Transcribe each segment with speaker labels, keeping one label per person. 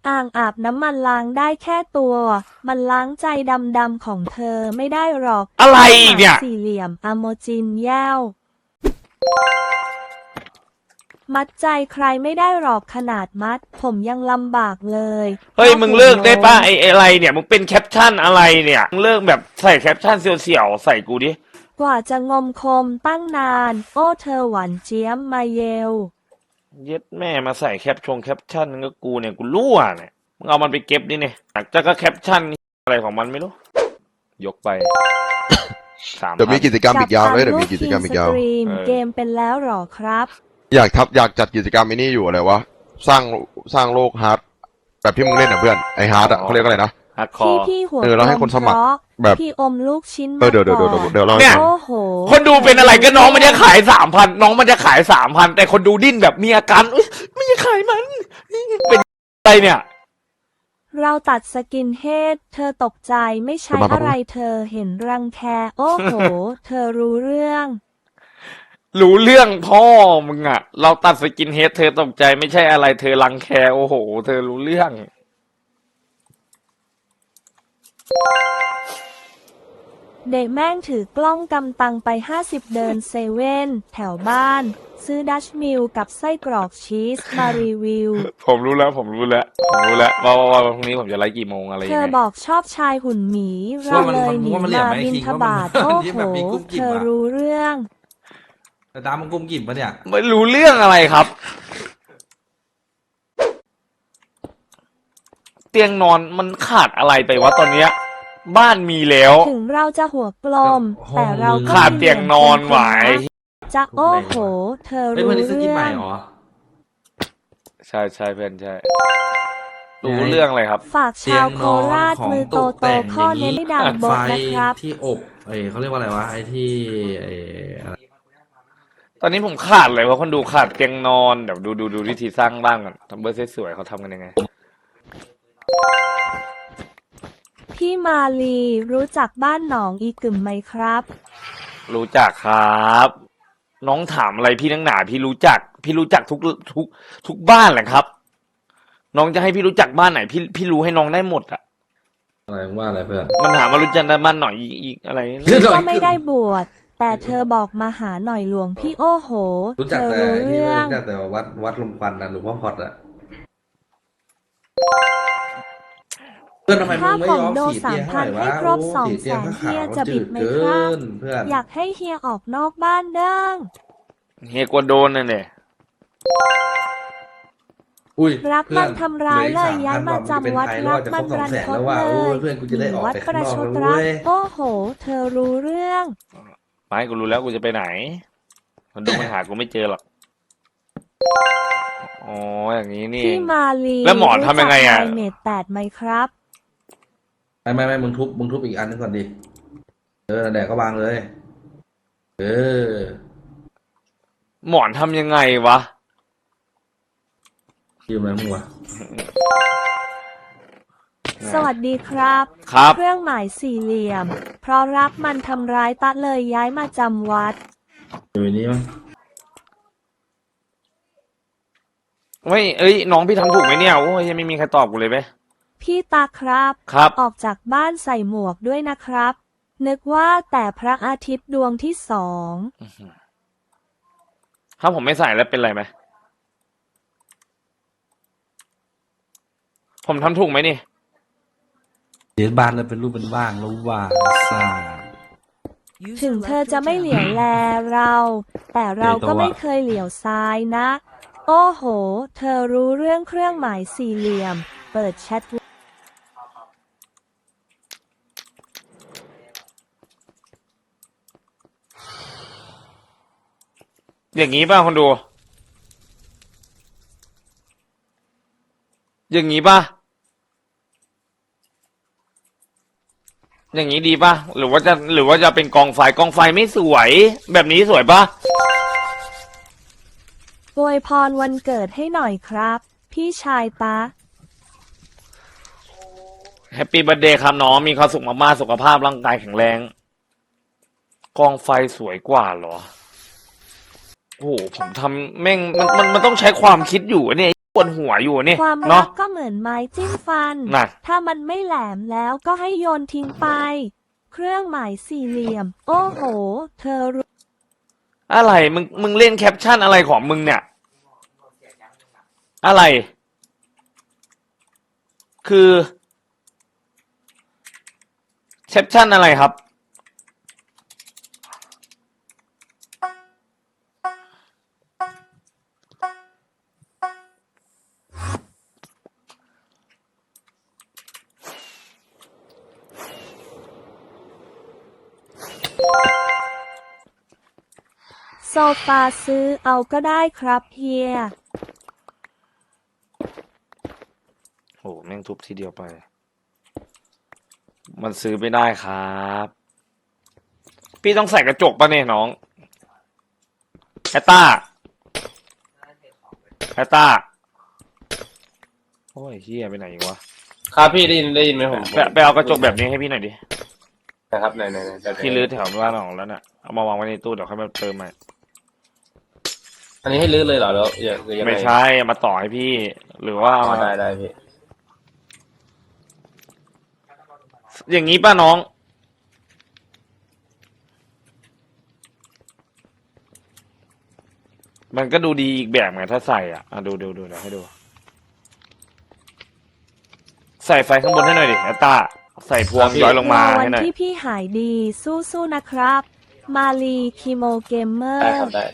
Speaker 1: อ่างอาบน้ำมันล้างได้แค่ตัว มันล้างใจดำๆของเธอไม่ได้หรอก
Speaker 2: อะไรเนี่ย
Speaker 1: สี่เหลี่ยมอโมจินแย้วมัดใจใครไม่ได้หรอกขนาดมัดผมยังลำบากเลย
Speaker 2: เฮ้ยมึงเลิกได้ป่ะไอ้อะไรเนี่ยมึงเป็นแคปชั่นอะไรเนี่ยมึงเลิกแบบใส่แคปชั่นเสี่ยวๆใส่กูดิ
Speaker 1: กว่าจะงมคมตั้งนาน โอ้เธอหวานเจี๊ยมมาเยล
Speaker 2: เย็ดแม่มาใส่แคปชั่นก็กูเนี่ยกูรั่วเนี่ยมึงเอามันไปเก็บดิเนี่ยจะก็แคปชั่นอะไรของมันไม่รู้ยกไป
Speaker 3: เดี๋ยวมีกิจกรรมอีกยาวเลยเดี๋ยวมีกิจกรรมอีกยาว
Speaker 1: สตรีมเกมเป็นแล้วหรอครับ
Speaker 3: อยากจัดกิจกรรมไอ้นี่อยู่อะไรวะสร้างโลกฮาร์ดแบบที่มึงเล่นอ่ะเพื่อนไอฮาร์ดอ่ะเขาเรียกอะไรนะ
Speaker 2: ฮาร์ดคอร์
Speaker 1: พี่หัว
Speaker 3: แล้วให้คนสมัครแบบ
Speaker 1: พี่อมลูกชิ้น
Speaker 3: เดี๋ยวเรา
Speaker 2: เนี่ย
Speaker 1: โอ้โห
Speaker 2: คนดูเป็นอะไรก็น้องมันจะขาย3,000น้องมันจะขาย3,000แต่คนดูดิ้นแบบมีอาการอุ๊ยไม่อยากขายมันเป็นอะไรเนี่ย
Speaker 1: เราตัดสกินเฮดเธอตกใจไม่ใช่อะไรเธอเห็นรังแค โอ้โห เธอรู้เรื่อง
Speaker 2: รู้เรื่องพ่อมึงอะเราตัดสกินเฮดเธอตกใจไม่ใช่อะไรเธอรังแคโอ้โห เธอรู้เรื่อง
Speaker 1: เด็กแม่งถือกล้องกำตังไป50เดินเซเว่นแถวบ้าน ซื้อดัชมิลกับไส้กรอกชีสมารีวิว
Speaker 2: ผมรู้แล้วว่าพรุ่งนี้ผมจะไลฟ์กี่โมงอะไร
Speaker 1: เธ
Speaker 2: ยัง
Speaker 1: อ
Speaker 2: ไง
Speaker 1: บอกชอบชายหุ่นหมีเราเลยหนีมาบินทบาทโอ้โห เธอรู้เรื่อง
Speaker 4: แต่ตามมันกุมกิ่มปะเนี่ย
Speaker 2: ไม่รู้เรื่องอะไรครับ เตียงนอนมันขาดอะไรไปวะตอนเนี้ย บ้านมีแล้ว
Speaker 1: ถึงเราจะหัวกลม แต่เราก็
Speaker 2: ขาดเตียงนอนไหว
Speaker 1: จะโอ้โห เธอ
Speaker 4: เฮ้ย
Speaker 1: รู้
Speaker 4: วันนี้สกิน
Speaker 1: เรื่
Speaker 4: ให
Speaker 1: อ
Speaker 4: ม่
Speaker 1: ง
Speaker 4: เหรอ
Speaker 2: ใช่เพื่อนใช่รู้เรื่องอะไรครับ
Speaker 1: ฝากชาวโคราชมือโตโตข้อเน้นให้ดังบ
Speaker 4: ไฟ
Speaker 1: ทนะครับ
Speaker 4: ที่อบเขาเรียกว่าอะไรวะไอ้ที่อะไร
Speaker 2: ตอนนี้ผมขาดเลยว่าคนดูขาดเตียงนอนเดี๋ยวดูวิธีสร้างบ้านก่อนทำเบอร์สวยๆเขาทำกันยังไง
Speaker 1: พี่มาลีรู้จักบ้านหนองอีกึ่มไหมครับ
Speaker 2: รู้จักครับ น้องถามอะไรพี่นักหนาพี่รู้จักทุกบ้านแหละครับ น้องจะให้พี่รู้จักบ้านไหนพี่รู้ให้น้องได้หมดอ่ะ
Speaker 4: อะไรว่าอะไรเพื่อน
Speaker 2: มันถามมารู้จักบ้านหน่อยอีกอะไร
Speaker 1: ก็ไม่ได้บวชแต่เธอบอกมาหาหน่อยหลวงพี่โอ้โห
Speaker 4: รู้
Speaker 1: เธ
Speaker 4: จัก
Speaker 1: อ
Speaker 4: แต่
Speaker 1: รู้เรื่อง
Speaker 4: รู้จักแต่วัดลมควันนะหลวงพ่อพอดอะเพื่อนทำไมมึ
Speaker 1: ถ้าง
Speaker 4: ไม่
Speaker 1: ผ
Speaker 4: ย
Speaker 1: ม
Speaker 4: อม
Speaker 1: โด
Speaker 4: สีเตียงให้หน่อยวะ
Speaker 1: 3,000ให้ครบ
Speaker 4: โอ้สีเตียง
Speaker 1: 200,000
Speaker 4: ขาว
Speaker 1: เฮีย
Speaker 4: ๆ
Speaker 1: จะบิดไหมครับ
Speaker 4: จืเกินเพื่อน
Speaker 1: อยากให้เฮียออกนอกบ้านเด้ง
Speaker 2: เฮียกลัวโดนน่ะเนี่ย
Speaker 4: อุ้ย
Speaker 1: รัก
Speaker 4: เพื่
Speaker 1: มั
Speaker 4: อน
Speaker 1: นทำร้ายเลยย้ายมาจำวัดรัก
Speaker 4: มั
Speaker 1: มัน น
Speaker 4: รั
Speaker 1: รั
Speaker 4: น
Speaker 1: น
Speaker 4: ท
Speaker 1: ท
Speaker 4: ด
Speaker 1: ด
Speaker 4: เล
Speaker 1: เลย ย
Speaker 4: เพื่อนกูจะได้ออก
Speaker 1: วัด
Speaker 4: ไป
Speaker 1: ป
Speaker 4: ข้าง
Speaker 1: ระ
Speaker 4: นอก
Speaker 1: ชด
Speaker 4: แล้ว
Speaker 1: รัก
Speaker 4: เว้ย
Speaker 1: โอ้โห เธอรู้เรื่อง
Speaker 2: ไม่กูรู้แล้วกูจะไปไหนคนดูมันหากูไม่เจอหรอกอ๋ออย่างนี้นี่เอ
Speaker 1: พี่
Speaker 2: ง
Speaker 1: มาลี
Speaker 2: แล้วหมอทำยังไงอะ
Speaker 1: รู้จัก iMate 8ไหมครับ
Speaker 4: ไม่มึงทุบอีกอันนึงก่อนดินั่นแหละก็วางเลย
Speaker 2: หมอนทำยังไงวะ
Speaker 4: ยืมอะไรมึงวะ
Speaker 1: สวัสดีครับ
Speaker 2: ครับ
Speaker 1: เครื่องหมายสี่เหลี่ยม เพราะรักมันทำร้ายตะเลยย้ายมาจำวัด
Speaker 4: อยู่ในนี้มั้ง
Speaker 2: ไม่เอ้ยน้องพี่ทำถูกไหมเนี่ยโอ้ยยังไม่มีใครตอบกูเลยไหม
Speaker 1: พี่ตาครับ
Speaker 2: ครับ
Speaker 1: ออกจากบ้านใส่หมวกด้วยนะครับ นึกว่าแต่พระอาทิตย์ดวงที่สอง
Speaker 2: ถ้าผมไม่ใส่แล้วเป็นไรไหมผมทำถูกไหมนี่
Speaker 4: เดี๋ยวบานเลยเป็นรูปเป็นว่างแล้วว่าซ่า
Speaker 1: ถึงเธอจะไม่เหลียวแลเรา แต่เราก็ไม่เคยเหลียวซ้ายนะ โอ้โห เธอรู้เรื่องเครื่องหมายสี่เหลี่ยม เปิดแชท
Speaker 2: อย่างนี้ป่ะคนดู อย่างนี้ป่ะ อย่างนี้ดีป่ะ หรือว่าจะเป็นกองไฟไม่สวย แบบนี้สวยป่ะ
Speaker 1: อวยพรวันเกิดให้หน่อยครับ พี่ชายตา
Speaker 2: แฮปปี้เบิร์ธเดย์ครับน้องมีความสุขมากๆสุขภาพร่างกายแข็งแรง กองไฟสวยกว่าเหรอ โอ้โหผมทำแม่งมันต้องใช้ความคิดอยู่เนี่ยปวดหัวอยู่นี่
Speaker 1: ความรั
Speaker 2: เนาะ
Speaker 1: กก็เหมือนไม้จิ้มฟัน
Speaker 2: น่ะ
Speaker 1: ถ้ามันไม่แหลมแล้วก็ให้โยนทิ้งไป เครื่องหมายสี่เหลี่ยม โอ้โห เธอรู้
Speaker 2: อะไรมึงเล่นแคปชั่นอะไรของมึงเนี่ย อะไร คือแคปชั่นอะไรครับ
Speaker 1: โซฟาซื้อเอาก็ได้ครับเฮีย
Speaker 2: โหแม่งทุบทีเดียวไป มันซื้อไม่ได้ครับ พี่ต้องใส่กระจกปะเนี่ยน้องแอตตาโอ้ยเฮียไปไหนอีกวะ
Speaker 5: ครับพี่ได้ยินไหมผม
Speaker 2: ไปเอากระจกแบบนี้ให้พี่หน่อยดิ
Speaker 5: นะครับไหน
Speaker 2: พี่รื้อแถวบ้านออกแล้วน่ะ เอามาวางไว้ในตู้เดี๋ยวค่อยมาเติมใหม่
Speaker 5: อันนี้ให้ลื้อเลยเหรอแล้วยังง
Speaker 2: ไม่ใช่เอามาต่อให้พี่ หรือว่า
Speaker 5: อ๋
Speaker 2: เอา
Speaker 5: อ
Speaker 2: มา
Speaker 5: ได้พี่
Speaker 2: อย่างนี้ป่ะน้อง มันก็ดูดีอีกแบบไงถ้าใส่อ่ะดูเดี๋ยวให้ดู ใส่ไฟข้างบนให้หน่อยดิแอตตาใส่พวงย้อยลงมา
Speaker 1: วั
Speaker 2: ให้หน่อย
Speaker 1: ที่พี่หายดีสู้ๆนะครับ มาลีคีโมเกมเมอ
Speaker 5: ได้
Speaker 1: ร์
Speaker 5: ครับได้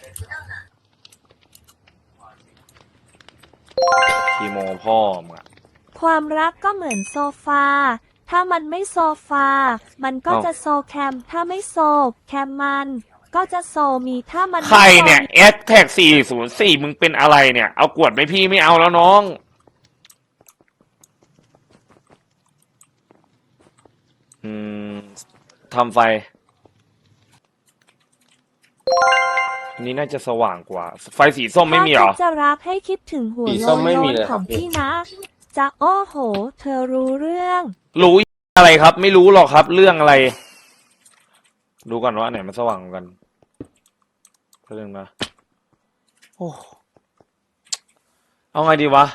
Speaker 2: คีโมพ่อมึงอะ
Speaker 1: ความรักก็เหมือนโซฟา ถ้ามันไม่โซฟา มันก็จะโซแคม ถ้าไม่โซแคมมันก็จะโซมีถ้ามันไม่
Speaker 2: ใครเนี่ย
Speaker 1: โซ
Speaker 2: แอดแท็ก404มึงเป็นอะไรเนี่ย เอากวดไหมพี่ไม่เอาแล้วน้อง ทำไฟ อันนี้น่าจะสว่างกว่า ไฟสีส้มไม่มีเหรอ
Speaker 1: ถ้าคิดจะรักให้คิดถึงหัว
Speaker 5: สี
Speaker 1: โล
Speaker 5: ส้มไม่มี
Speaker 1: น
Speaker 5: เลย
Speaker 1: ๆ
Speaker 5: ค
Speaker 1: ข
Speaker 5: รั
Speaker 1: อบ ง
Speaker 5: พี่
Speaker 1: พี่นะ จะโอ้โห เธอรู้เรื่อง
Speaker 2: รู้อะไรครับ ไม่รู้หรอกครับ เรื่องอะไร ดูก่อนว่าอันไหนมันสว่างกว่ากันเรื่องนะโอ้เอาไงดีวะ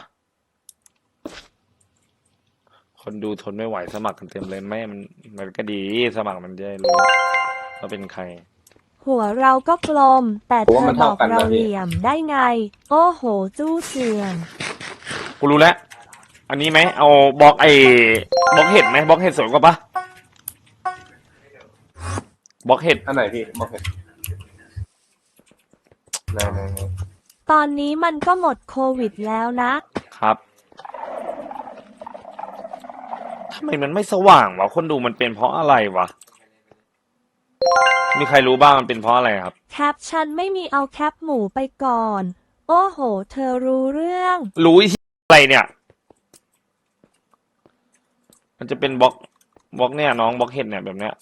Speaker 2: คนดูทนไม่ไหวสมัครกันเต็มเลยแม่มันก็ดีสมัครมันจะได้รู้ว่าเป็นใคร
Speaker 1: หัวเราก็กลม แต่
Speaker 5: ผม
Speaker 1: เธ
Speaker 5: ว่า
Speaker 1: อ
Speaker 5: มัน
Speaker 1: บ
Speaker 5: เท่า
Speaker 1: อก
Speaker 5: กันนะ
Speaker 1: เรา
Speaker 5: พี่
Speaker 1: เหลี่ยมได้ไง โอ้โห จู้เสื่อม
Speaker 2: กูรู้แล้ว อันนี้ไหม เอาบล็อกบล็อกเห็ดไหมบล็อกเห็ดสวยกว่าปะบล็อกเห็ด
Speaker 5: อันไหนพี่บอกเห็นไหน
Speaker 1: ตอนนี้มันก็หมดโควิดแล้วนะ
Speaker 2: ครับทำไมมันไม่สว่างวะคนดูมันเป็นเพราะอะไรวะ มีใครรู้บ้างมันเป็นเพราะอะไรครับ
Speaker 1: แคปฉันไม่มีเอาแคปหมูไปก่อน โอ้โห เธอรู้เรื่อง
Speaker 2: รู้อะไรเนี่ย มันจะเป็นบล็อกเนี่ยน้องบล็อกเห็ดเนี่ยแบบเนี้ย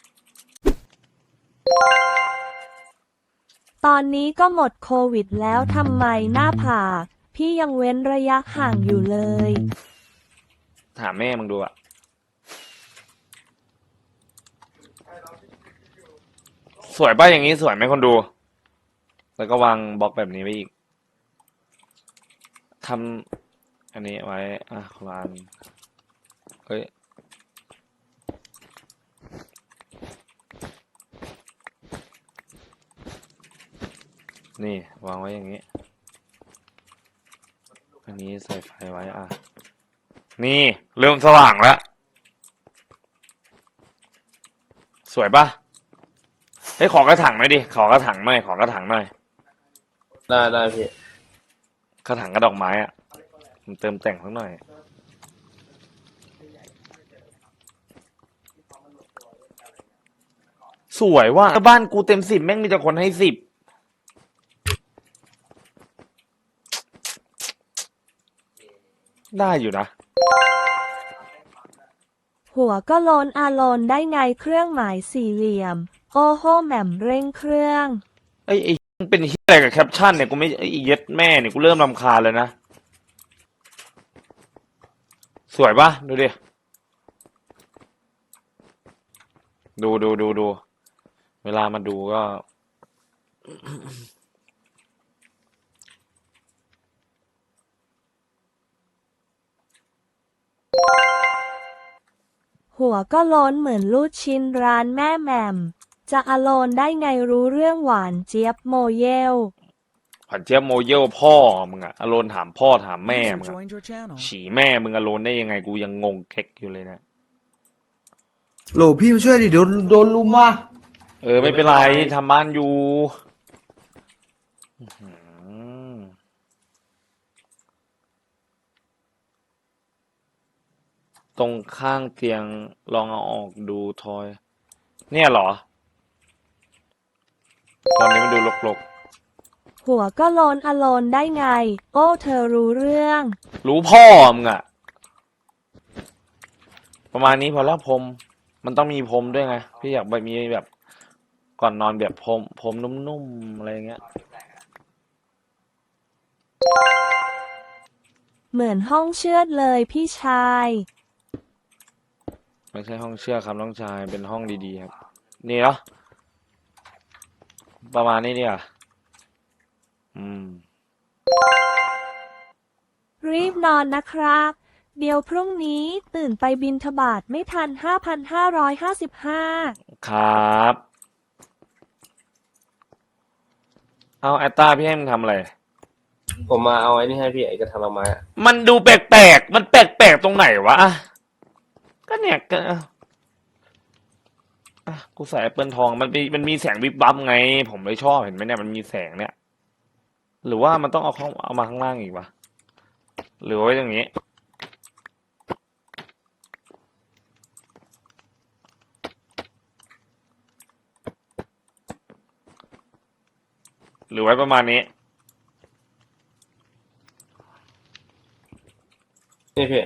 Speaker 1: ตอนนี้ก็หมดโควิดแล้วทำไมหน้าผากพี่ยังเว้นระยะห่างอยู่เลย
Speaker 2: ถามแม่มึงดูอะสวยป่ะอย่างนี้สวยไหมคนดู แล้วก็วางบล็อกแบบนี้ไว้อีกทำอันนี้ไว้ คนละอันเฮ้ย นี่วางไว้อย่างนี้ อันนี้ใส่ไฟไว้นี่เริ่มสว่างแล้ว สวยปะเฮ้ยขอกระถางหน่อยดิ ขอกระถางหน่อย
Speaker 5: ได้พี่
Speaker 2: กระถางกระดอกไม้อะมันเติมแต่งสักหน่อย สวยว่าบ้านกูเต็ม10แม่งมีแต่คนให้10ได้อยู่นะ
Speaker 1: หัวก็โลนได้ไงเครื่องหมายสี่เหลี่ยม โอ้โหแหม่มเร่งเครื่อง
Speaker 2: ไอ้มึงเป็นเหี้ยอะไรกับแคปชั่นเนี่ยกูไม่ไอ้เย็ดแม่เนี่ยกูเริ่มรำคาญเลยนะ สวยปะดูดิดูเวลามาดูก็
Speaker 1: หัวก็โล้นเหมือนลูกชิ้นร้านแม่แหม่มจะอโลนได้ไงรู้เรื่องหวานเจี๊ยบโมเยล
Speaker 2: ผันเจี๊ยบโมเยลพ่อมึงอะอโลนถามพ่อถามแม่
Speaker 6: User
Speaker 2: มึงอะ
Speaker 6: joined your channel.
Speaker 2: ฉี่แม่มึงอโลนได้ยังไงกูยังงงเค็กอยู่เลยนะ
Speaker 7: โหลพี่มาช่วยดิเดี๋ยวโดนลุมว่ะ
Speaker 2: ไม่เป็นไรทำบ้านอยู่อื้อหือตรงข้างเตียงลองเอาออกดูทอย เนี่ยเหรอ ตอนนี้มันดูรก
Speaker 1: หัวก็โลนอโลนได้ไง โอ้เธอรู้เรื่อง
Speaker 2: ๆ รู้พ่อมึงอะประมาณนี้พอแล้วพรมมันต้องมีพรมด้วยไง พี่อยากแบบมีแบบ ก่อนนอนแบบพรมนุ่มๆอะไรอย่างเงี้ย
Speaker 1: เหมือนห้องเชือดเลยพี่ชาย
Speaker 2: ไม่ใช่ห้องเชือกครับน้องชายเป็นห้องดีๆครับ นี่เหรอประมาณนี้เนี่ยอืม
Speaker 1: รีบนอนนะครับ เดี๋ยวพรุ่งนี้ตื่นไปบิณฑบาตไม่ทัน 5,555
Speaker 2: ครับ เอาแอตตาพี่ให้มึงทำอะไร
Speaker 5: ผมมาเอาไอ้นี่ให้พี่ไอ้กระทะละไม้อะ
Speaker 2: มันดูแปลกๆ มันแปลกๆตรงไหนวะอ่ะก็เนี่ยก็กูใส่แอปเปิลทองมันมีแสงวิบวับไง ผมเลยชอบเห็นไหมเนี่ยมันมีแสงเนี่ย หรือว่ามันต้องเอามาข้างล่างอีกวะหรือว่าไว้อย่างนี้ หรือไว้ประมาณนี้
Speaker 5: นี่พี่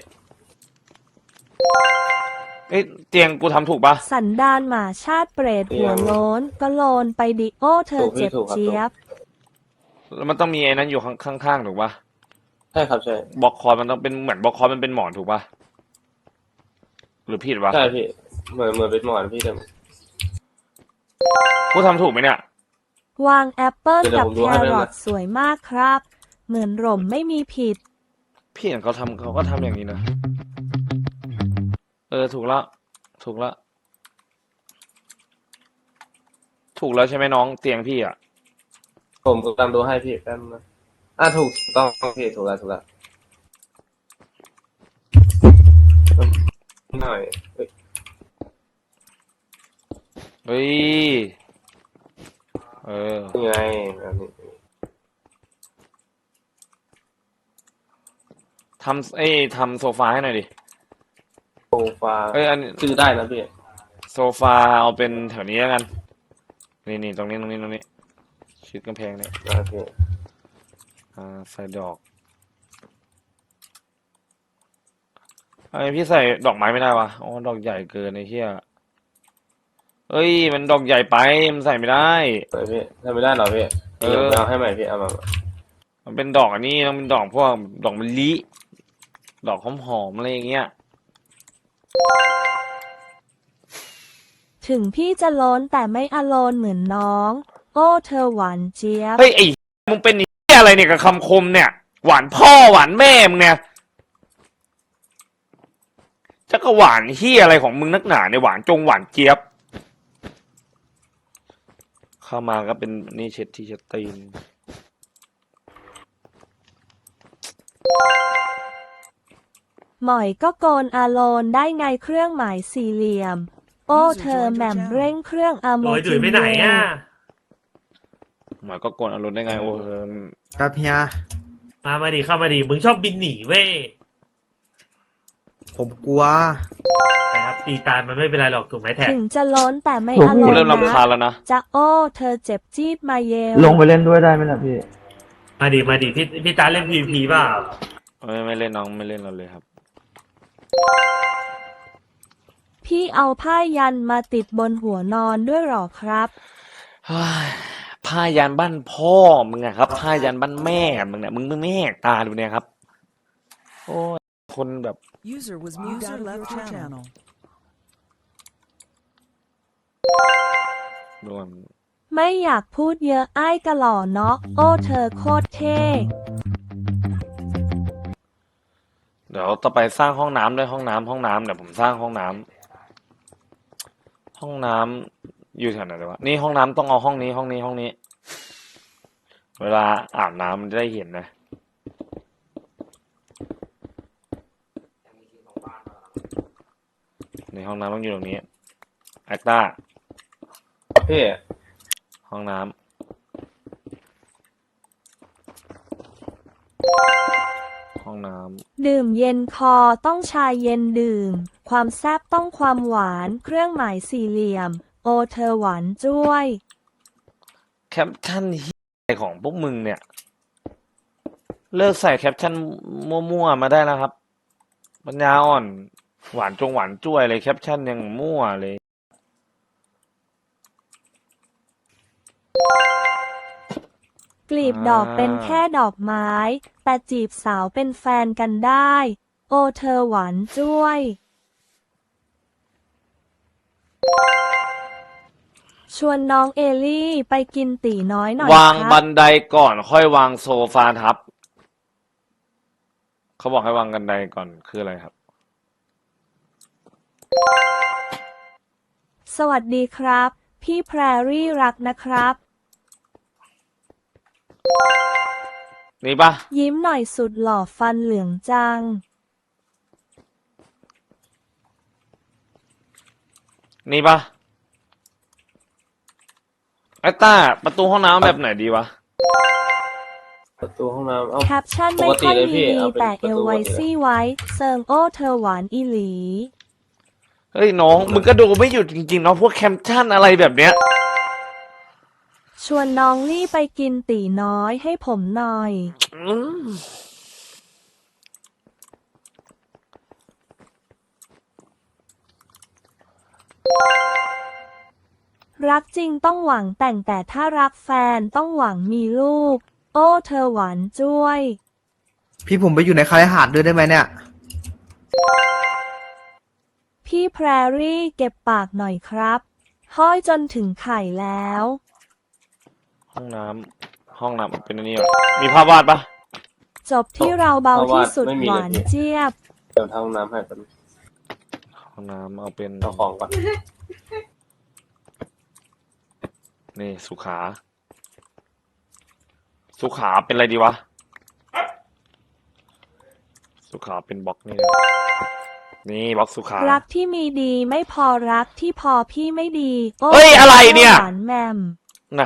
Speaker 2: เอ้ยเตียงกูทำถูกปะ
Speaker 1: สันดานหมาชาติเปรตหัวโล้นก็โลนไปดิโอ้เธอเจ็บเจี๊ยบ
Speaker 2: แล้วมันต้องมีไอ้นั้นอยู่ข้างๆถูกปะ
Speaker 5: ใช่ครับใช่
Speaker 2: บล็อกคอร์ดมันต้องเป็นเหมือนบล็อกคอร์ดมันเป็นหมอนถูกปะหรือผิดวะ
Speaker 5: ใช่พี่เหมือนเป็นหมอนพี่แต่
Speaker 2: กูทำถูกไหมเนี่ย
Speaker 1: วางแอปเปิล
Speaker 5: เดี๋ยว
Speaker 1: กับ
Speaker 5: ผมดู
Speaker 1: แค
Speaker 5: ให้ไหม
Speaker 1: รอทสวยมากครับ เหมือนหล่มไม่มีผิด
Speaker 2: พี่เห็นเขาก็ทำอย่างนี้นะถูกแล้วถูกแล้วถูกแล้วใช่ไหมน้องเตียงพี่อ่ะ
Speaker 5: ผมกำลังดูให้พี่แป๊บนึงนะถูกต้องพี่ถูกแล้วหน่อยเฮ้ย
Speaker 2: เฮ้ย
Speaker 5: นี่ไงอันนี้
Speaker 2: ทำโซฟาให้หน่อยดิ
Speaker 5: โซฟา
Speaker 2: อันนี้
Speaker 5: ซื้อได้นะพี่
Speaker 2: โซฟาเอาเป็นแถวนี้แล้วกันนี่ตรงนี้ชิดกำแพงเนี่ย
Speaker 5: โอเค
Speaker 2: ใส่ดอกพี่ใส่ดอกไม้ไม่ได้วะอ๋อดอกใหญ่เกินไอ้เหี้ยมันดอกใหญ่ไปมันใส่ไม่ได้
Speaker 5: เปิดพี่ทำไม่ได้เหรอพี่เดี๋ยวเอาให้ใหม่พี่เอามา
Speaker 2: มันเป็นดอกอันนี้ต้องเป็นดอกพวกดอกมะลิดอกหอมๆอะไรอย่างเงี้ย
Speaker 1: ถึงพี่จะโล้นแต่ไม่อโลนเหมือนน้อง โอ้เธอหวานเจี๊ยบ
Speaker 2: เฮ้ยไอ้มึงเป็นไอ้เหี้ยอะไรเนี่ยกับคำคมเนี่ย หวานพ่อหวานแม่มึงเนี่ยจะก็หวานเหี้ยอะไรของมึงนักหนาเนี่ยหวานหวานเจี๊ยบ เข้ามาก็เป็นนี่เช็ดที่เช็ดตีน
Speaker 1: หมอยก็โกนอาโลนได้ไงเครื่องหมายสี่เหลี่ยม โอ้เธอแหม่มเร่งเครื่องอโม
Speaker 8: โอ้ย
Speaker 1: จิ
Speaker 8: ดุยไปไหนอ่ะ
Speaker 2: หมายก็โกนอารมณ์ได้ไงโอ้เออ
Speaker 7: ครับเฮีย
Speaker 8: มาดิเข้ามาดิมึงชอบบินหนีเว้ย
Speaker 7: ผมกลัว
Speaker 8: นะครับตีตายมันไม่เป็นไรหรอกถูกไหมแท็ก
Speaker 1: ถึงจะโล้นแต่ไม่
Speaker 7: ผม
Speaker 1: อโล
Speaker 2: กู
Speaker 1: น
Speaker 2: เริ่มรำคาญ
Speaker 1: นะ
Speaker 2: แล้วนะ
Speaker 1: จะโอ้เธอเจ็บจี๊บมาเยล
Speaker 7: ลงไปเล่นด้วยได้ไหมล่ะพี่
Speaker 8: มาดิพี่ตาเล่น PVP เปล่า
Speaker 2: ไม่เล่นน้องไม่เล่นเราเลยครับ
Speaker 1: พี่เอาผ้ายันมาติดบนหัวนอนด้วยหรอครับ
Speaker 2: เฮ้ยผ้ายันบ้านพ่อมึงอะครับผ้ายันบ้านแม่มึงเนี่ยมึงไม่แหกตาดูเนี่ยครับ โอ้ยคนแบบ
Speaker 6: User was moved out of your channel.
Speaker 2: โดน
Speaker 1: ไม่อยากพูดเยอะอ้ายกะหล่อเนาะโอ้เธอโคตรเท่
Speaker 2: เดี๋ยวต่อไปสร้างห้องน้ำด้วยห้องน้ำเดี๋ยวผมสร้างห้องน้ห้องน้ำอยู่แถวไหนเลยวะนี่ห้องน้ำต้องเอาห้องนี้ห้องนี้ห้องนี้ เวลาอาบน้ำมันจะได้เห็นนะในห้องน้ำต้องอยู่ตรงนี้แอคต้า
Speaker 5: พี่
Speaker 2: ห้องน้ำห้องน้ำ
Speaker 1: ดื่มเย็นคอต้องชาเย็นดื่ม ความแซ่บต้องความหวานเครื่องหมายสี่เหลี่ยม โอเธอหวานจ้วย
Speaker 2: แคปชั่นเหี้ยอะไรของพวกมึงเนี่ย เลิกใส่แคปชั่นมั่วๆมาได้แล้วครับปัญญาอ่อนหวานจงหวานจ้วยเลยแคปชั่นยังมั่วเลย
Speaker 1: กลีบดอกเป็นแค่ดอกไม้ แต่จีบสาวเป็นแฟนกันได้ โอเธอหวานจ้วย ชวนน้องเอลี่ไปกินตีน้อยหน่อยว
Speaker 2: าง
Speaker 1: ค
Speaker 2: บั
Speaker 1: รับ
Speaker 2: นไดก่อนค่อยวางโซฟาทับ เขาบอกให้วางบันไดก่อนคืออะไรครับ
Speaker 1: สวัสดีครับ พี่แพรรี่รักนะครับ
Speaker 2: นี่ปะ
Speaker 1: ยิ้มหน่อยสุดหล่อฟันเหลืองจัง
Speaker 2: นี่ปะไอ้ต้าประตูห้องน้ำแบบไหนดีวะ
Speaker 5: ประตูห้องน้ำเอ้า
Speaker 1: แคปชั่น
Speaker 5: ป
Speaker 1: ไม่
Speaker 5: กติ
Speaker 1: ค่อย
Speaker 5: เลยพี่
Speaker 1: ดี
Speaker 5: เอาเป็น
Speaker 1: แต่เอล
Speaker 5: ประตู
Speaker 1: ไว
Speaker 5: ปกติเลย
Speaker 1: ซี่ไว้เซิงโอเธอหวานอีหลี
Speaker 2: เฮ้ยน้องมึงก็ดูไม่หยุดจริงๆเนาะพวกแคปชั่นอะไรแบบเนี้ย
Speaker 1: ชวนน้องลี่ไปกินตีน้อยให้ผมหน่อย
Speaker 2: อืม
Speaker 1: รักจริงต้องหวังแต่งแต่ถ้ารักแฟนต้องหวังมีลูก โอ้เธอหวานจ้วย
Speaker 7: พี่ผมไปอยู่ในคาลิหาดด้วยได้ไหมเนี่ย
Speaker 1: พี่แพรรี่เก็บปากหน่อยครับ ห้อยจนถึงไข่แล้ว
Speaker 2: ห้องน้ำเป็นอันนี้เหรอมีภาพวาดปะ
Speaker 1: จบที่เราเบาที่สุดหวานเจี๊ยบ
Speaker 5: เดี๋ยวทำห้องน้ำให้เป็น
Speaker 2: ห้องน้ำเอาเป็น
Speaker 5: เอาของก่อน
Speaker 2: นี่สุขา สุขาเป็นอะไรดีวะ สุขาเป็นบล็อกนี่เลยนี่บล็อกสุขา
Speaker 1: รักที่มีดีไม่พอรักที่พอพี่ไม่ดีโอ้
Speaker 2: เฮ้ยอะไรเนี่ย
Speaker 1: หวานแมม
Speaker 2: น่ะ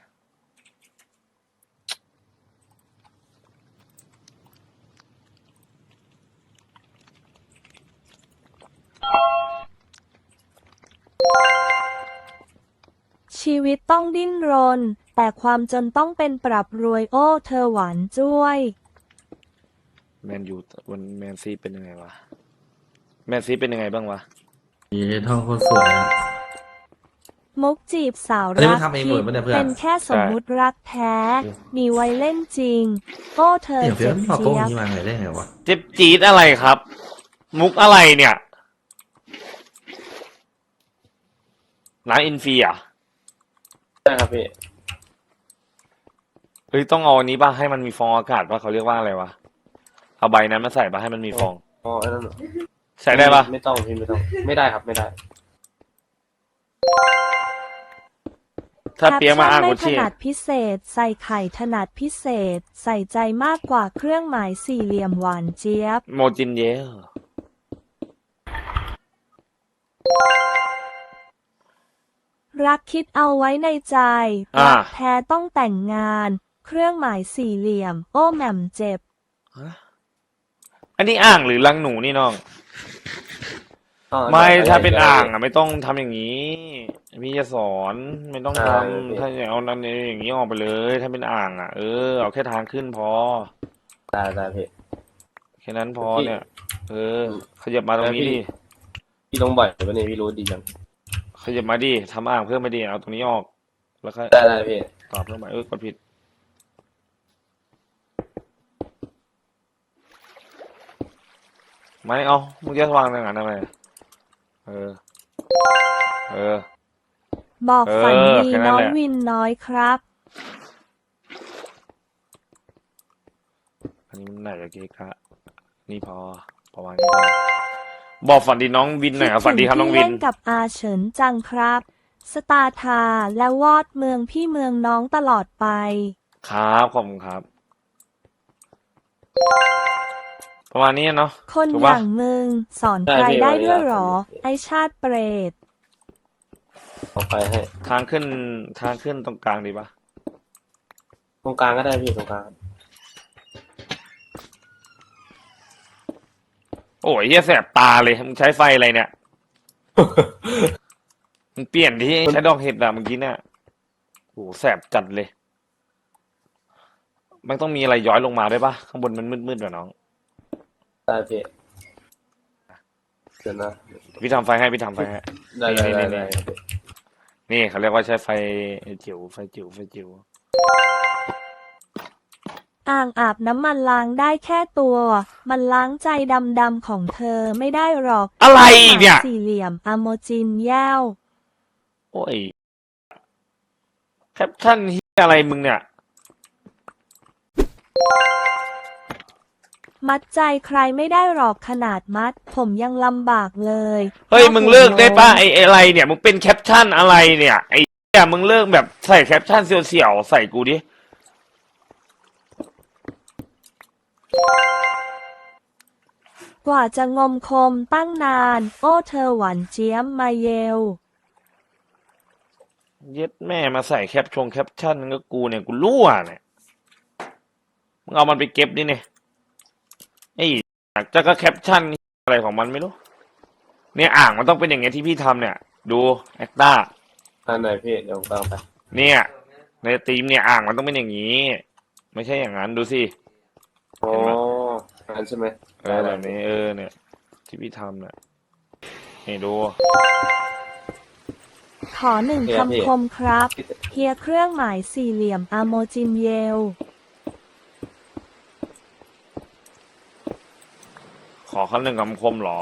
Speaker 1: ชีวิตต้องดิ้นรน แต่ความจนต้องเป็นปรับรวยโอ้เธอหวานจ้วย
Speaker 2: แมนยูวันแมนซีเป็นยังไงวะ แมนซีเป็นยังไงบ้างวะ
Speaker 4: นี่ท่องโคนสวยอะ
Speaker 1: มุกจีบสาว
Speaker 4: อันนี้
Speaker 1: รั
Speaker 4: มันทำเองหมดปะเนี่ยเพื่อน
Speaker 1: เป็นแค่สมมุติรักแท้ มีไว้เล่นจริง โอ้เธอ
Speaker 4: เดี๋ยวเพื่อ
Speaker 1: เจ็
Speaker 4: น
Speaker 1: บ
Speaker 4: พอโก้
Speaker 1: เจี๊ยบ
Speaker 4: นี้มาไงได้ไงวะ
Speaker 2: เจ็บจี๊ดอะไรครับ มุกอะไรเนี่ยน้ำอินฟีอ่ะ
Speaker 5: ใช่ครับพี่
Speaker 2: เฮ้ยต้องเอาอันนี้ป่ะให้มันมีฟองอากาศป่ะเขาเรียกว่าอะไรวะเอาใบนั้นมาใส่ป่ะให้มันมีฟอง
Speaker 5: อ๋อไอ้นั่นเหรอ
Speaker 2: ใส่ได้ป่ะ
Speaker 5: ไม่ต้องพี่ไม่ต้อง ไม่ได้ครับไม่ได้
Speaker 2: ถ้าเปียกมาอ่าน
Speaker 1: แค
Speaker 2: กู
Speaker 1: ปชั่นไม่ถ
Speaker 2: ชี้
Speaker 1: นัดพิเศษ ใส่ไข่ถนัดพิเศษ ใส่ใจมากกว่าเครื่องหมายสี่เหลี่ยมหวานเจี๊ยบ
Speaker 2: โมจินเยล
Speaker 1: รักคิดเอาไว้ในใจ
Speaker 2: อ่า
Speaker 1: รักแท้ต้องแต่งงาน เครื่องหมายสี่เหลี่ยม โอ้แหม่มเจ็บ
Speaker 2: อันนี้อ่างหรือรังหนูนี่น้อง
Speaker 5: อ๋อ
Speaker 2: ไม่
Speaker 5: ด้
Speaker 2: ถ้าเป็น
Speaker 5: ได้
Speaker 2: อ่างอ่ะไม่ต้องทำอย่างนี้ พี่จะสอนไม่ต้องท
Speaker 5: ได้
Speaker 2: ำถ้าอย่างเอานั่นอย่างนี้ออกไปเลย ถ้าเป็นอ่างอ่ะเอาแค่ทางขึ้นพอ
Speaker 5: ได้ได้พี่
Speaker 2: แค่นั้นพอ
Speaker 5: พี่
Speaker 2: เนี่ย ขยับมาตรงนี้ดิ
Speaker 5: พี่ลงบ่อยปะเนี่ยพี่รู้ดีจัง
Speaker 2: ขยับมาดิทำอ่างเพิ่มมาดิเอาตรงนี้ออก แล้วก็
Speaker 5: ได้ได้พี่
Speaker 2: ต่อเพิ่มมากดผิดไม่เอามึงจะวางอย่างนั้นทำไมเออ
Speaker 1: บอกฝันดี
Speaker 2: แค่นั้น
Speaker 1: น้อ
Speaker 2: แห
Speaker 1: ย
Speaker 2: ละ
Speaker 1: วินน้อยครับ
Speaker 2: อันนี้มันไหนจะเกะกะนี่พอประมาณนี้พอบอกฝันดีน้องวินหน่อยครับฝันดีครับน้องวิน
Speaker 1: เล่นกับอาเฉินจังครับ สตาร์ทาและวอดเมืองพี่เมืองน้องตลอดไป
Speaker 2: ครับขอบคุณครับ ประมาณนี้เนาะ
Speaker 1: คน
Speaker 2: ถูก
Speaker 1: อ
Speaker 2: ปะ
Speaker 1: ย่างมึงสอนใครได้ด้วยหรอ ไอชาติเปรต
Speaker 5: เอาไปให้
Speaker 2: ทางขึ้นตรงกลางดีปะ
Speaker 5: ตรงกลางก็ได้พี่ตรงกลาง
Speaker 2: โอ้ยเหี้ยแสบตาเลยมึงใช้ไฟอะไรเนี่ย มึงเปลี่ยนที่ใช้ดอกเห็ดอะเมื่อกี้เนี่ยโอ้โหแสบจัดเลย มันต้องมีอะไรย้อยลงมาด้วยปะข้างบนมันมืดๆกว่าน้อง
Speaker 5: ได้พี่เดี๋ยวนะ
Speaker 2: พี่ทำไฟให้
Speaker 5: ได้
Speaker 2: นี่เขาเรียกว่าใช้ไฟจิ๋วไฟจิ๋ว
Speaker 1: อ่างอาบน้ำมันล้างได้แค่ตัว มันล้างใจดำๆของเธอไม่ได้หรอก
Speaker 2: อะไรอีกเนี่ย
Speaker 1: สี่เหลี่ยมอโมจินแย้ว
Speaker 2: โอ้ยแคปชั่นเฮียอะไรมึงเนี่ย
Speaker 1: มัดใจใครไม่ได้หรอกขนาดมัด ผมยังลำบากเลย
Speaker 2: เฮ้ยมึงเลิกได้ป่ะไอ้อะไรเนี่ยมึงเป็นแคปชั่นอะไรเนี่ยไอ้เหี้ยมึงเลิกแบบใส่แคปชั่นเสี่ยวๆใส่กูดิ
Speaker 1: กว่าจะงมคมตั้งนาน โอ้เธอหวานเจี๊ยมมาเยล
Speaker 2: เย็ดแม่มาใส่แคปชั่นก็กูเนี่ยกูรั่วเนี่ยมึงเอามันไปเก็บดิเนี่ยไอ้จะก็แคปชั่นอะไรของมันไม่รู้เนี่ยอ่างมันต้องเป็นอย่างเงี้ยที่พี่ทำเนี่ย ดูแอคต้า
Speaker 5: อันไหนพี่เดี๋ยวผมตามไป
Speaker 2: เนี่ยในทีมเนี่ยอ่างมันต้องเป็นอย่างนี้ ไม่ใช่อย่างนั้นดูสิ
Speaker 5: อ๋ออันใช่ไหม
Speaker 2: แบบนี้เนี่ย ที่พี่ทำเนี่ยนี่ดู
Speaker 1: ขอหนึ่งคำคมครับ เฮียเครื่องหมายสี่เหลี่ยมอโมจินเยล
Speaker 2: ขอคำหนึ่งคำคมเหรอ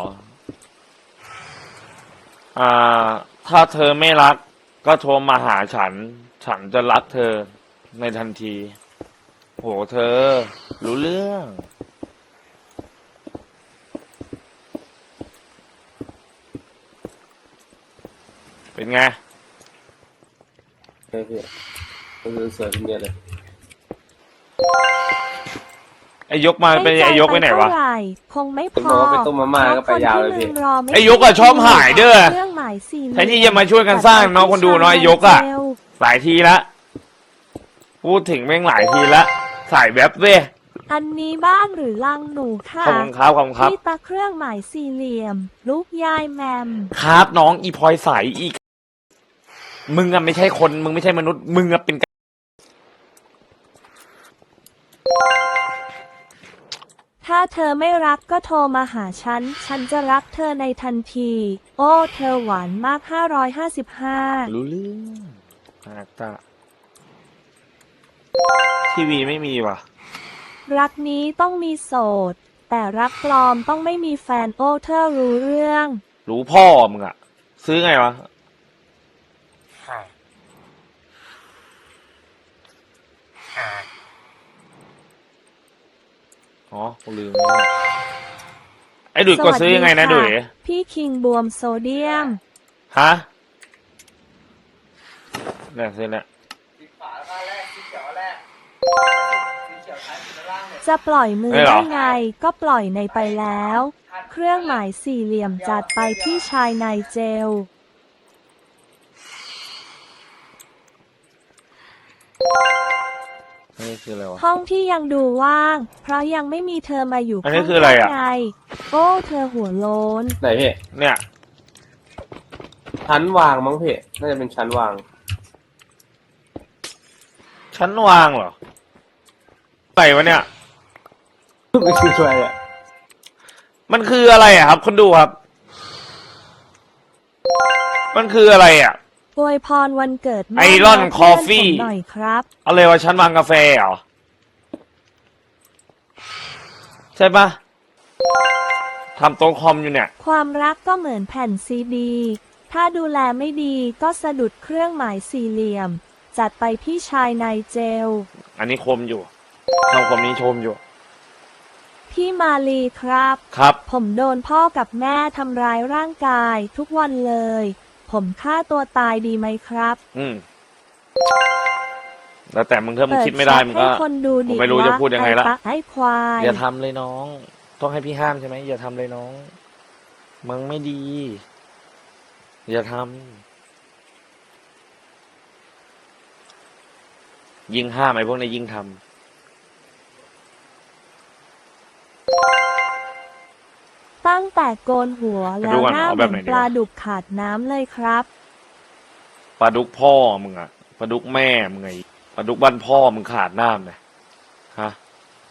Speaker 2: ถ้าเธอไม่รัก ก็โทรมาหาฉัน ฉันจะรักเธอในทันที โหเธอ รู้เรื่อง เป็นไง
Speaker 5: ใช่พี่ก็คือสวยเป็นเดียวเลย
Speaker 2: ไอ้ยกมาเป็นไอ้ยกไปไหนวะ
Speaker 1: เท่าไหร่คงไม่พ
Speaker 5: ผมบ
Speaker 1: อ
Speaker 5: อกว่าไปต้มมาม่าก็ไปยาวเลยพี่
Speaker 2: ไอ้ยกอะชอบหายเด้อ
Speaker 1: เครื่องหมายสี่เหลี่ยม
Speaker 2: แทนที่จะมาช่วยกันสร้างน้องคนดูน้อยยกอะ หลายทีละพูดถึงแม่งหลายทีละสายแว็บเว้ย
Speaker 1: อันนี้บ้านหรือลังหนูค่ะ
Speaker 2: ขอบคุณครับขอบคุณครับ
Speaker 1: ที่ตาเครื่องหมายสี่เหลี่ยม ลูกยายแมม
Speaker 2: ครับน้องอีพลอยใสอีก มึงอะไม่ใช่คนมึงไม่ใช่มนุษย์มึงอะเป็น
Speaker 1: ถ้าเธอไม่รักก็โทรมาหาฉัน ฉันจะรักเธอในทันที โอ้เธอหวานมาก555
Speaker 2: รู้เรื่องอาตาทีวีไม่มีว่ะ
Speaker 1: รักนี้ต้องมีโสด แต่รักปลอมต้องไม่มีแฟนโอ้เธอรู้เรื่อง
Speaker 2: รู้พ่อมึงอะซื้อไงวะอ๋อกูลืมแล้วไอ้ดุยกดซื้อยังไงนะ
Speaker 1: สวัส
Speaker 2: ดุย
Speaker 1: ค่ะพี่คิงบวมโซเดียม
Speaker 2: ฮะเนี่ยซื้อเนี่ย
Speaker 1: จะปล่อยมือได้ไงก็ปล่อยในไปแล้ว เครื่องหมายสี่เหลี่ยมจัดไปที่ชายในเจล
Speaker 2: อันนี้คืออะไรวะ
Speaker 1: ห้องที่ยังดูว่าง เพราะยังไม่มีเธอมาอยู่
Speaker 2: อันนี้
Speaker 1: ข้าง
Speaker 2: คืออะไรอะ
Speaker 1: ไงโอ้เธอหัวโล้น
Speaker 5: ไหนพี่
Speaker 2: เนี่ย
Speaker 5: ชั้นวางมั้งพี่น่าจะเป็นชั้นวาง
Speaker 2: ชั้นวางเหรออะไรวะเนี่ย
Speaker 5: ไม่คืออะไรอ่ะ
Speaker 2: มันคืออะไรอะครับคนดูครับ มันคืออะไรอะ
Speaker 1: อวยพรวันเกิดแม่
Speaker 2: ไอรอน
Speaker 1: และ
Speaker 2: คอฟฟี่
Speaker 1: เพื่นผมหน่อยครับ
Speaker 2: อะไรวะชั้นวางกาแฟเหรอ ใช่ปะทำโต๊ะคอมอยู่เนี่ย
Speaker 1: ความรักก็เหมือนแผ่นซีดี ถ้าดูแลไม่ดีก็สะดุดเครื่องหมายสี่เหลี่ยม จัดไปพี่ชายในเจล
Speaker 2: อันนี้คมอยู่ทำคมนี้ชมอยู่
Speaker 1: พี่มาลีครับ
Speaker 2: ครับ
Speaker 1: ผมโดนพ่อกับแม่ทำร้ายร่างกายทุกวันเลย ผมฆ่าตัวตายดีไหมครับ
Speaker 2: อืม แล้วแต่มึงถ้ามึง
Speaker 1: เปิด
Speaker 2: คิดไม่ได้
Speaker 1: แชท
Speaker 2: มึง
Speaker 1: ให้
Speaker 2: ก็
Speaker 1: คนดู
Speaker 2: ผม
Speaker 1: ดิ
Speaker 2: ไม่รู้จะพูดยังไงละ
Speaker 1: ไอ้ปะไอ้ควาย
Speaker 2: อย่าทำเลยน้อง ต้องให้พี่ห้ามใช่ไหมอย่าทำเลยน้อง มึงไม่ดี อย่าทำยิ่งห้ามไอ้พวกนี้ยิ่งทำ
Speaker 1: ตั้งแต่โกนหัว
Speaker 2: ไป
Speaker 1: แล้
Speaker 2: ดู
Speaker 1: ว
Speaker 2: ก่อน
Speaker 1: หน้า
Speaker 2: เอา
Speaker 1: เห
Speaker 2: แบ
Speaker 1: มื
Speaker 2: บ
Speaker 1: อน
Speaker 2: ไหนดี
Speaker 1: ปลาว
Speaker 2: ะ
Speaker 1: ดุกขาดน้ำเลยครับ
Speaker 2: ปลาดุกพ่อมึงอะปลาดุกแม่มึงไงปลาดุกบ้านพ่อมึงขาดน้ำเนี่ยฮะ